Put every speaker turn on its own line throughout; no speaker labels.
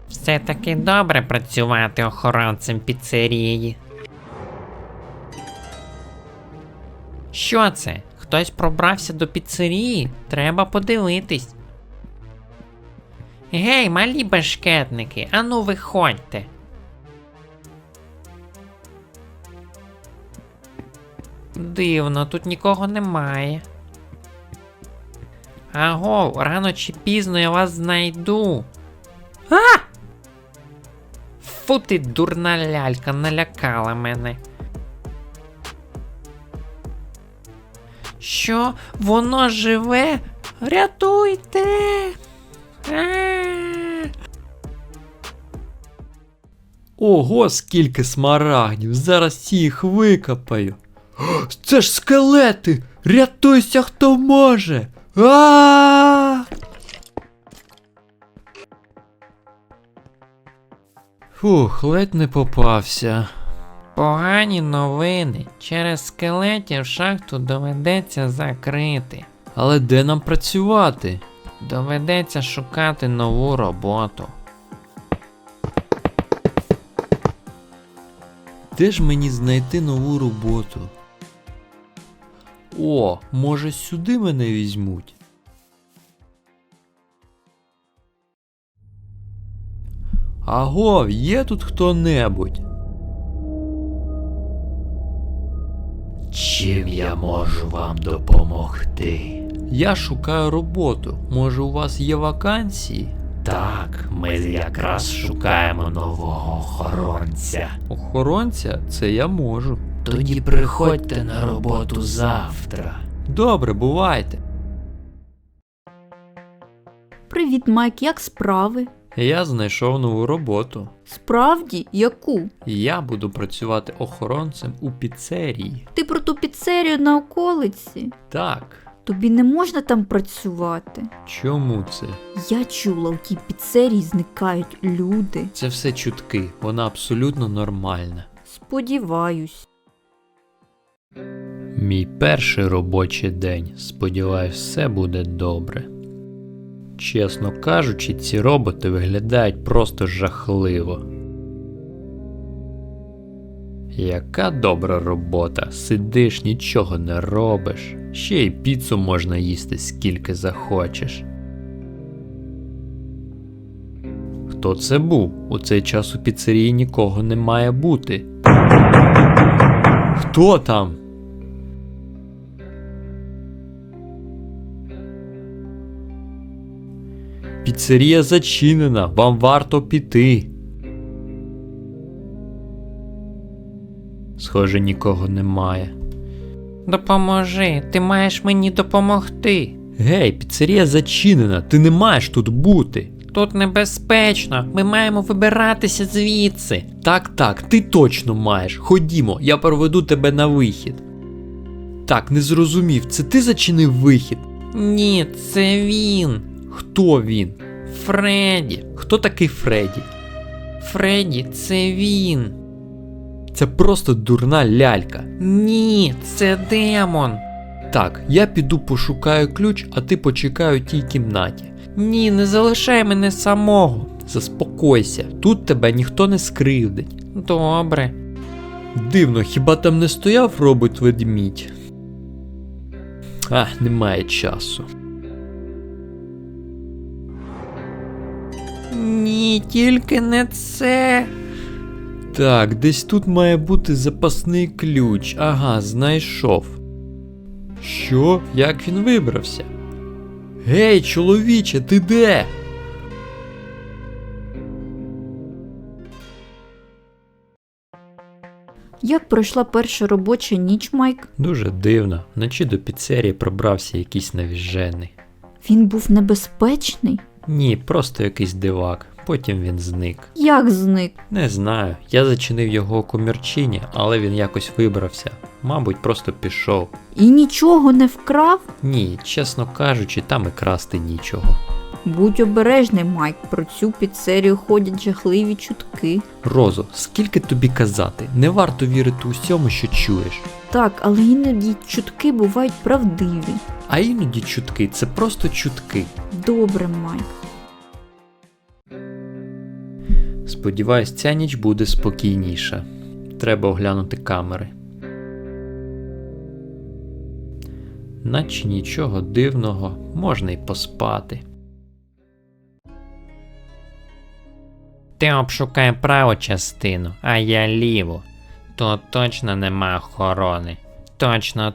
Все-таки добре працювати охоронцем піцерії. Що це? Хтось пробрався до піцерії? Треба подивитись. Гей, малі бешкетники, ану виходьте. Дивно, тут нікого немає. Агов, рано чи пізно я вас знайду. А! Фу ти, дурна лялька, налякала мене. Що? Воно живе? Рятуйте!
Ого, скільки смарагдів, зараз їх викопаю. Це ж скелети! Рятуйся, хто може! А! Фух, ледь не попався.
Погані новини. Через скелетів шахту доведеться закрити.
Але де нам працювати?
Доведеться шукати нову роботу.
Де ж мені знайти нову роботу? О, може сюди мене візьмуть? Аго, є тут хто-небудь?
Чим я можу вам допомогти?
Я шукаю роботу. Може, у вас є вакансії?
Так, ми якраз шукаємо нового охоронця.
Охоронця? Це я можу.
Тоді приходьте на роботу завтра.
Добре, бувайте.
Привіт, Майк, як справи?
Я знайшов нову роботу.
Справді? Яку?
Я буду працювати охоронцем у піцерії.
Ти про ту піцерію на околиці?
Так.
Тобі не можна там працювати.
Чому це?
Я чула, у тій піцерії зникають люди.
Це все чутки. Вона абсолютно нормальна.
Сподіваюсь.
Мій перший робочий день. Сподіваюсь, все буде добре. Чесно кажучи, ці роботи виглядають просто жахливо. Яка добра робота. Сидиш, нічого не робиш. Ще й піцу можна їсти скільки захочеш. Хто це був? У цей час у піцерії нікого не має бути. Хто там? Піцерія зачинена, вам варто піти. Схоже, нікого немає.
Допоможи, ти маєш мені допомогти.
Гей, піцерія зачинена, ти не маєш тут бути.
Тут небезпечно, ми маємо вибиратися звідси.
Так, ти точно маєш. Ходімо, я проведу тебе на вихід. Так, не зрозумів, це ти зачинив вихід?
Ні, це він.
Хто він?
Фредді.
Хто такий Фредді?
Фредді, це він.
Це просто дурна лялька.
Ні, це демон.
Так, я піду пошукаю ключ, а ти почекай у тій кімнаті.
Ні, не залишай мене самого.
Заспокойся, тут тебе ніхто не скривдить.
Добре.
Дивно, хіба там не стояв робот-ведмідь? Немає часу.
Ні, тільки не це.
Так, десь тут має бути запасний ключ. Ага, знайшов. Що? Як він вибрався? Гей, чоловіче, ти де?
Як пройшла перша робоча ніч, Майк?
Дуже дивно. Вночі до піцерії пробрався якийсь навіжений.
Він був небезпечний?
Ні, просто якийсь дивак. Потім він зник.
Як зник?
Не знаю. Я зачинив його у комірчині, але він якось вибрався. Мабуть, просто пішов.
І нічого не вкрав?
Ні, чесно кажучи, там і красти нічого.
Будь обережний, Майк, про цю піцерію ходять жахливі чутки.
Розо, скільки тобі казати? Не варто вірити усьому, що чуєш.
Так, але іноді чутки бувають правдиві.
А іноді чутки – це просто чутки.
Добре, Майк.
Сподіваюсь, ця ніч буде спокійніша. Треба оглянути камери. Наче нічого дивного, можна й поспати.
Ти обшукай праву частину, а я ліву. Тут точно нема охорони. Точно.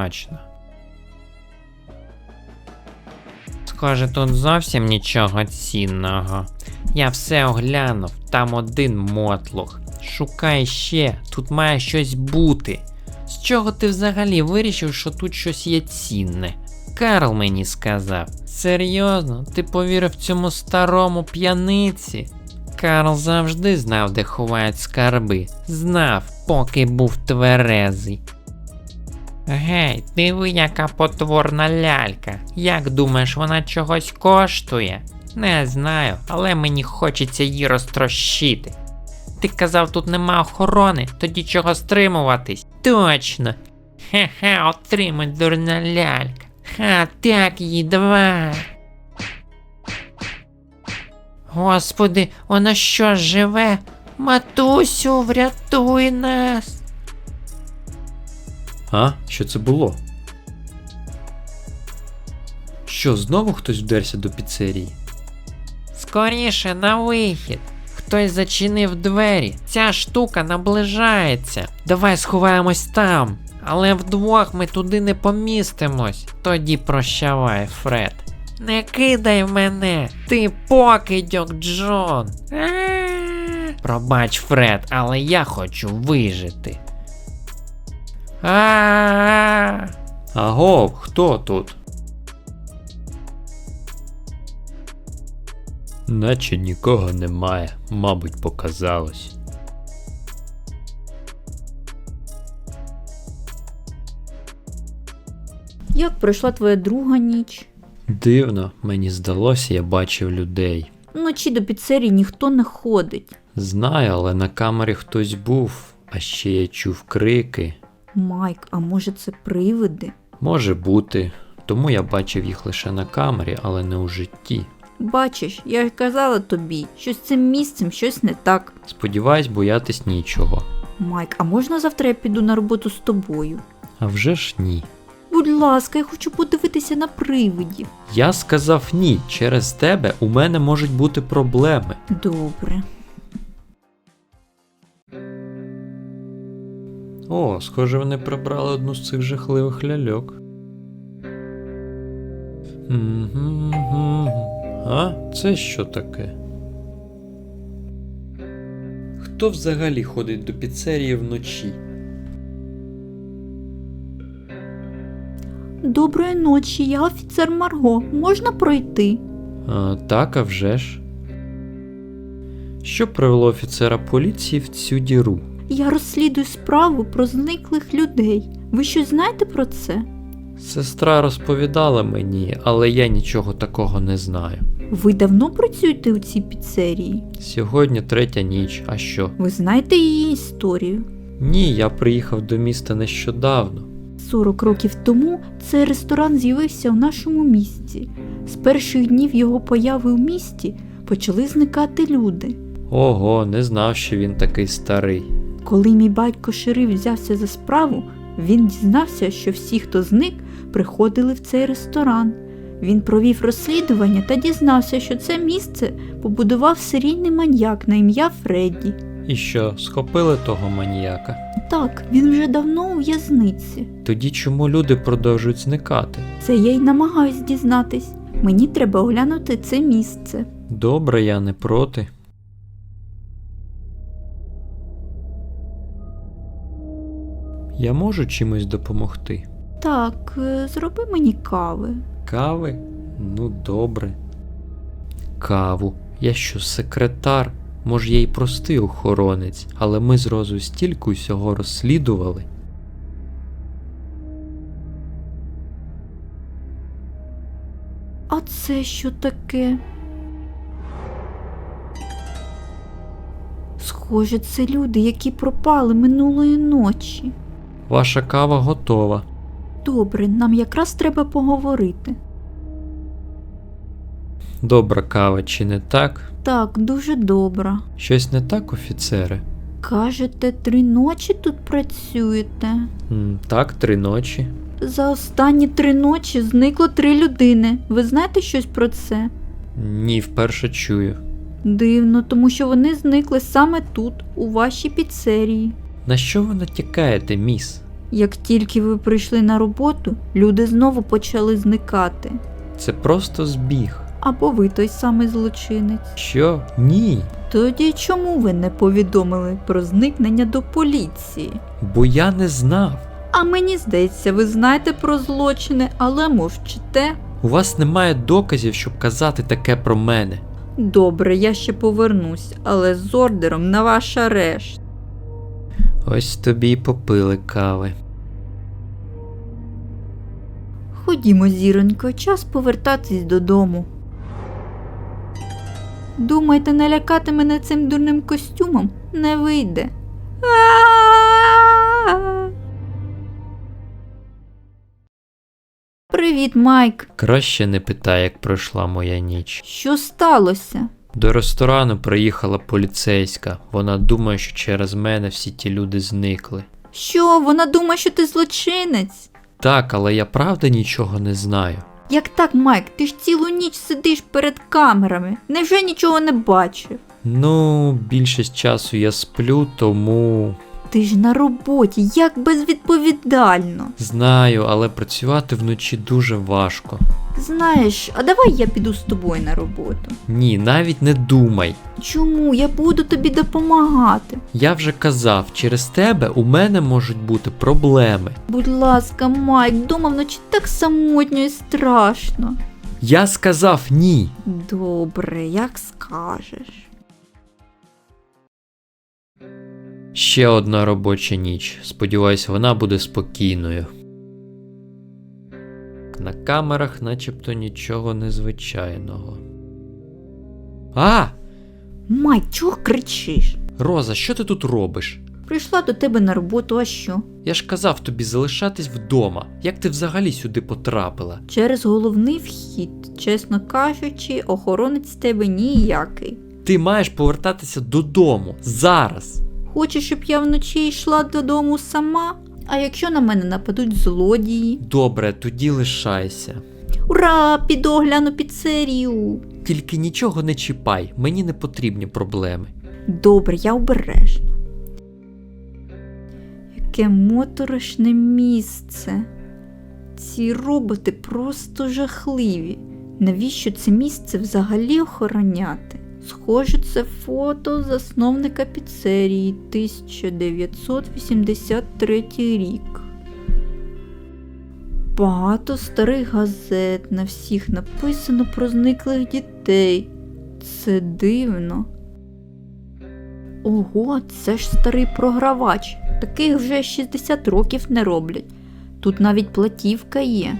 Схоже, тут зовсім нічого цінного. Я все оглянув, там один мотлох. Шукай ще, тут має щось бути. З чого ти взагалі вирішив, що тут щось є цінне? Карл мені сказав. Серйозно? Ти повірив цьому старому п'яниці? Карл завжди знав, де ховають скарби. Знав, поки був тверезий. Гей, диви, яка потворна лялька. Як думаєш, вона чогось коштує? Не знаю, але мені хочеться її розтрощити. Ти казав, тут нема охорони, тоді чого стримуватись? Точно. Ха-ха, отримай, дурна лялька. Ха, так їй, давай. Господи, вона що, живе? Матусю, врятуй нас.
А? Що це було? Що, знову хтось вдерся до піцерії?
Скоріше на вихід. Хтось зачинив двері. Ця штука наближається. Давай сховаємось там. Але вдвох ми туди не помістимось. Тоді прощавай, Фред. Не кидай мене. Ти покидьок, Джон. Пробач, Фред, але я хочу вижити.
Агов, хто тут? Наче нікого немає, мабуть, показалось.
Як пройшла твоя друга ніч?
Дивно, мені здалося, я бачив людей.
Вночі до піцерії ніхто не ходить.
Знаю, але на камері хтось був, а ще я чув крики.
Майк, а може це привиди?
Може бути, тому я бачив їх лише на камері, але не у житті.
Бачиш, я ж казала тобі, що з цим місцем щось не так.
Сподіваюсь, боятись нічого.
Майк, а можна завтра я піду на роботу з тобою?
А вже ж ні.
Будь ласка, я хочу подивитися на привидів.
Я сказав ні, через тебе у мене можуть бути проблеми.
Добре.
О, схоже, вони прибрали одну з цих жахливих ляльок. А? Це що таке? Хто взагалі ходить до піцерії вночі?
Доброї ночі, я офіцер Марго. Можна пройти?
Так, а вже ж. Що привело офіцера поліції в цю діру?
Я розслідую справу про зниклих людей. Ви щось знаєте про це?
Сестра розповідала мені, але я нічого такого не знаю.
Ви давно працюєте у цій піцерії?
Сьогодні 3-я ніч, а що?
Ви знаєте її історію?
Ні, я приїхав до міста нещодавно.
40 років тому цей ресторан з'явився у нашому місті. З перших днів його появи у місті почали зникати люди.
Ого, не знав, що він такий старий.
Коли мій батько шериф взявся за справу, він дізнався, що всі, хто зник, приходили в цей ресторан. Він провів розслідування та дізнався, що це місце побудував серійний маньяк на ім'я Фредді.
І що, схопили того маніяка?
Так, він вже давно у в'язниці.
Тоді чому люди продовжують зникати?
Це я й намагаюсь дізнатись. Мені треба оглянути це місце.
Добре, я не проти. Я можу чимось допомогти?
Так, зроби мені кави.
Кави? Ну, добре. Каву? Я що, секретар? Може, я й простий охоронець, але ми з Розою стільки усього розслідували.
А це що таке? Схоже, це люди, які пропали минулої ночі.
Ваша кава готова.
Добре, нам якраз треба поговорити.
Добра кава, чи не так?
Так, дуже добре.
Щось не так, офіцери?
Кажете, 3 ночі тут працюєте?
Так, 3 ночі.
За останні 3 ночі зникло 3 людини. Ви знаєте щось про це?
Ні, вперше чую.
Дивно, тому що вони зникли саме тут, у вашій піцерії.
На що ви натякаєте, міс?
Як тільки ви прийшли на роботу, люди знову почали зникати.
Це просто збіг.
Або ви той самий злочинець.
Що? Ні.
Тоді чому ви не повідомили про зникнення до поліції?
Бо я не знав.
А мені здається, ви знаєте про злочини, але мовчите.
У вас немає доказів, щоб казати таке про мене.
Добре, я ще повернусь, але з ордером на ваш арешт.
Ось тобі й попили кави.
Ходімо, зіронько, час повертатись додому. Думаєте, налякати мене цим дурним костюмом? Не вийде. Привіт, Майк.
Краще не питай, як пройшла моя ніч.
Що сталося?
До ресторану приїхала поліцейська. Вона думає, що через мене всі ті люди зникли.
Що, вона думає, що ти злочинець?
Так, але я правда нічого не знаю.
Як так, Майк? Ти ж цілу ніч сидиш перед камерами. Невже нічого не бачив?
Ну, більшість часу я сплю, тому...
Ти ж на роботі, як безвідповідально.
Знаю, але працювати вночі дуже важко.
Знаєш, а давай я піду з тобою на роботу.
Ні, навіть не думай.
Чому? Я буду тобі допомагати.
Я вже казав, через тебе у мене можуть бути проблеми.
Будь ласка, Майк, вдома вночі так самотньо і страшно.
Я сказав ні.
Добре, як скажеш.
Ще одна робоча ніч. Сподіваюсь, вона буде спокійною. На камерах начебто нічого незвичайного. А!
Майк, чого кричиш?
Роза, що ти тут робиш?
Прийшла до тебе на роботу, а що?
Я ж казав тобі залишатись вдома. Як ти взагалі сюди потрапила?
Через головний вхід, чесно кажучи, охоронець з тебе ніякий.
Ти маєш повертатися додому. Зараз.
Хочеш, щоб я вночі йшла додому сама? А якщо на мене нападуть злодії?
Добре, тоді лишайся.
Ура! Піду огляну піцерію!
Тільки нічого не чіпай, мені не потрібні проблеми.
Добре, я обережно. Яке моторошне місце. Ці роботи просто жахливі. Навіщо це місце взагалі охороняти? Схоже, це фото засновника піцерії, 1983 рік. Багато старих газет, на всіх написано про зниклих дітей. Це дивно. Ого, це ж старий програвач. Таких вже 60 років не роблять. Тут навіть платівка є.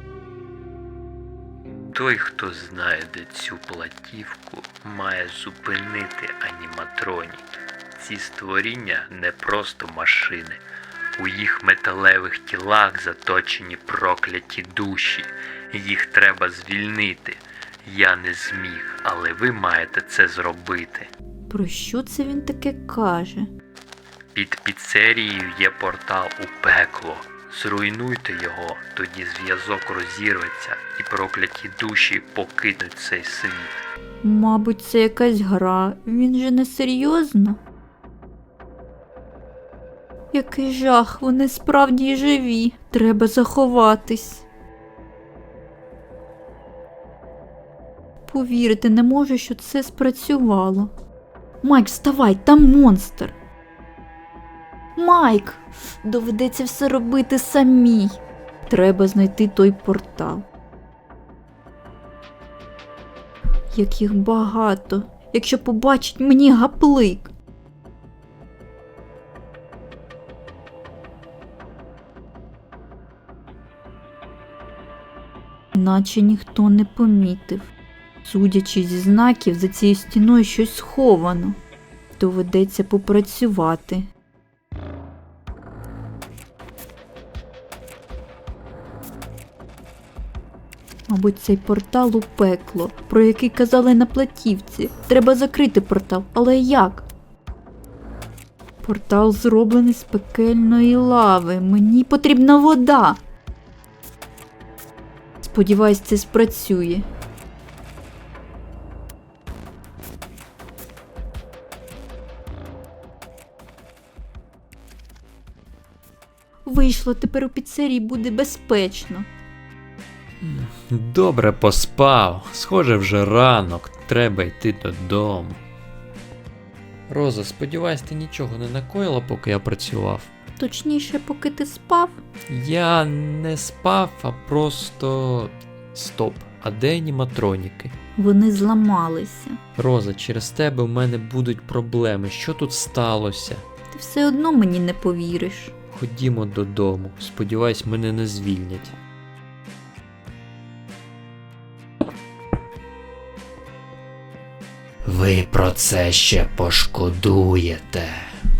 Той, хто знайде цю платівку, має зупинити аніматронік. Ці створіння не просто машини. У їх металевих тілах заточені прокляті душі. Їх треба звільнити. Я не зміг, але ви маєте це зробити.
Про що це він таке каже?
Під піцерією є портал у пекло. Зруйнуйте його, тоді зв'язок розірветься і прокляті душі покинуть цей світ.
Мабуть, це якась гра. Він же не серйозно? Який жах, вони справді живі. Треба заховатись. Повірити не можу, що це спрацювало. Майк, вставай, там монстр. Майк, доведеться все робити самій. Треба знайти той портал. Як їх багато. Якщо побачить мені гаплик. Наче ніхто не помітив. Судячи зі знаків, за цією стіною щось сховано. Доведеться попрацювати. Мабуть, цей портал у пекло, про який казали на платівці. Треба закрити портал, але як? Портал зроблений з пекельної лави. Мені потрібна вода. Сподіваюсь, це спрацює. Вийшло, тепер у піцерії буде безпечно.
Добре поспав. Схоже, вже ранок. Треба йти додому.
Роза, сподіваюсь, ти нічого не накоїла, поки я працював.
Точніше, поки ти спав.
Я не спав, а просто. Стоп. А де аніматроніки?
Вони зламалися.
Роза, через тебе у мене будуть проблеми. Що тут сталося?
Ти все одно мені не повіриш.
Ходімо додому. Сподіваюсь, мене не звільнять.
Ви про це ще пошкодуєте.